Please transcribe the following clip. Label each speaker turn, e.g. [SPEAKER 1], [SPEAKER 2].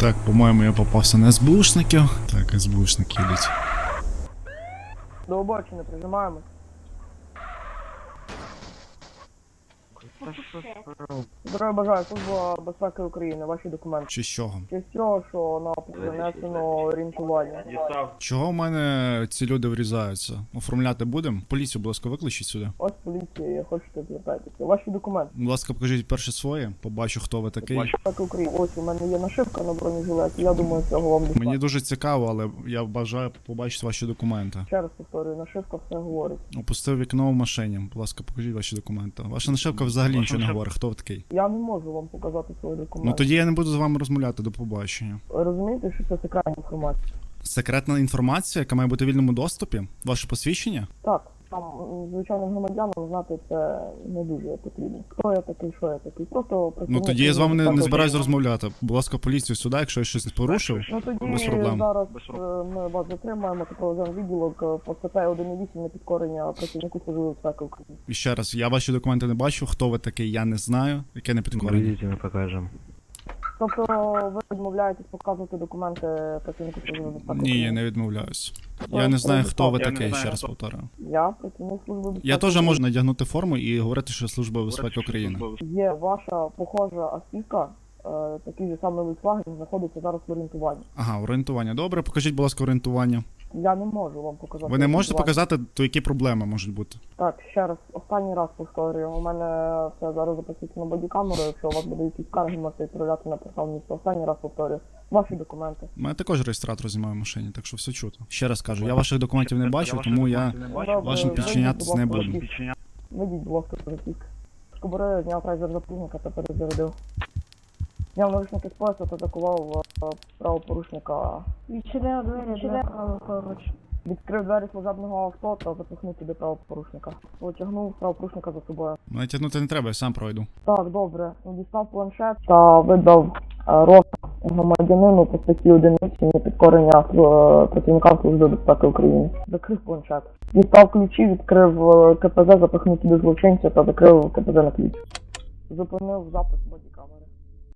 [SPEAKER 1] Так, по-моєму, я попався на СБУшників. Так, СБУшники йдуть.
[SPEAKER 2] До обочини прижимаємось. Здоров'я бажаю, Служба безпеки України, ваші документи.
[SPEAKER 1] Чи з чого?
[SPEAKER 2] Чи з цього, що на принесено орієнтування?
[SPEAKER 1] Чого в мене ці люди врізаються? Оформляти будемо? Поліцію, будь ласка, викличіть сюди.
[SPEAKER 2] Ось поліція, хочете звертайтеся. Ваші документи.
[SPEAKER 1] Будь ласка, покажіть перше своє, побачу, хто ви такий.
[SPEAKER 2] Безпеки України. Ось у мене є нашивка на бронежилеті, я думаю, цього вам достатньо.
[SPEAKER 1] Мені дуже цікаво, але я бажаю побачити ваші документи.
[SPEAKER 2] Ще раз повторюю, нашивка все говорить.
[SPEAKER 1] Опустив вікно в машині. Будь ласка, покажіть ваші документи. Ваша нашивка взагалі нічого не говорить. Хто ви такий?
[SPEAKER 2] Я не можу вам показати свої документи.
[SPEAKER 1] Ну тоді я не буду з вами розмовляти, до побачення.
[SPEAKER 2] Ви розумієте, що це секретна інформація?
[SPEAKER 1] Секретна інформація, яка має бути в вільному доступі? Ваше посвідчення?
[SPEAKER 2] Так, там звичайним громадянам знати це не дуже потрібно. Хто я такий, що я такий? Просто
[SPEAKER 1] Ну
[SPEAKER 2] працівник
[SPEAKER 1] тоді я з вами не
[SPEAKER 2] безпеки
[SPEAKER 1] збираюсь
[SPEAKER 2] України.
[SPEAKER 1] розмовляти. Будь ласка, поліцію сюди, якщо я щось порушив.
[SPEAKER 2] Ну тоді
[SPEAKER 1] Без проблем.
[SPEAKER 2] зараз ми вас затримаємо та проведемо відділок по статті 1.8 на підкорення працівнику Служби безпеки України.
[SPEAKER 1] І ще раз, я ваші документи не бачу, хто ви такий, я не знаю, яке не підкорення.
[SPEAKER 3] Придите, мы покажем.
[SPEAKER 2] Тобто ви відмовляєтесь показувати документи працівнику Служби безпеки
[SPEAKER 1] Ні, я
[SPEAKER 2] України?
[SPEAKER 1] не відмовляюсь. Я не знаю, хто ви такий, ще раз повторюю.
[SPEAKER 2] Я працівник Служби безпеки
[SPEAKER 1] Я теж
[SPEAKER 2] України.
[SPEAKER 1] можу надягнути форму і говорити, що Служба безпеки України.
[SPEAKER 2] Є ваша похожа автівка, такий же самий Volkswagen, знаходиться зараз в орієнтуванні.
[SPEAKER 1] Ага, орієнтування. Добре, покажіть, будь ласка, орієнтування.
[SPEAKER 2] Я не можу вам показати.
[SPEAKER 1] Ви не можете
[SPEAKER 2] орієнтування.
[SPEAKER 1] показати, то які проблеми можуть бути?
[SPEAKER 2] Так, ще раз, останній раз повторюю. У мене це зараз записується на бодікамеру. Якщо у вас буде якісь скарги, можете відправляти на портал міста. Останній раз повторюю. Ваші документи.
[SPEAKER 1] У мене також реєстратор знімає в машині, так що все чути. Ще раз кажу, я ваших документів не бачив, тому я вашим підчинятись не буду.
[SPEAKER 2] Вийдіть, будь ласка, притік. Скобори зняв прайзер запужника та перезарядив. Зняв наручники з пояса та атакував правопорушника.
[SPEAKER 4] Відчинив двері для правопоруч.
[SPEAKER 2] Відкрив двері служебного авто та запихнув туди правопорушника. Потягнув правопорушника за собою.
[SPEAKER 1] Мене тягнути не треба, я сам пройду.
[SPEAKER 2] Так, добре. Дістав планшет та видав розшук громадянину по статті 1.8 на підкорення працівникам Служби безпеки України. Закрив планшет. Дістав ключі, відкрив КПЗ, запихнув туди злочинця та закрив КПЗ на ключ. Зупинив запис бодікамери.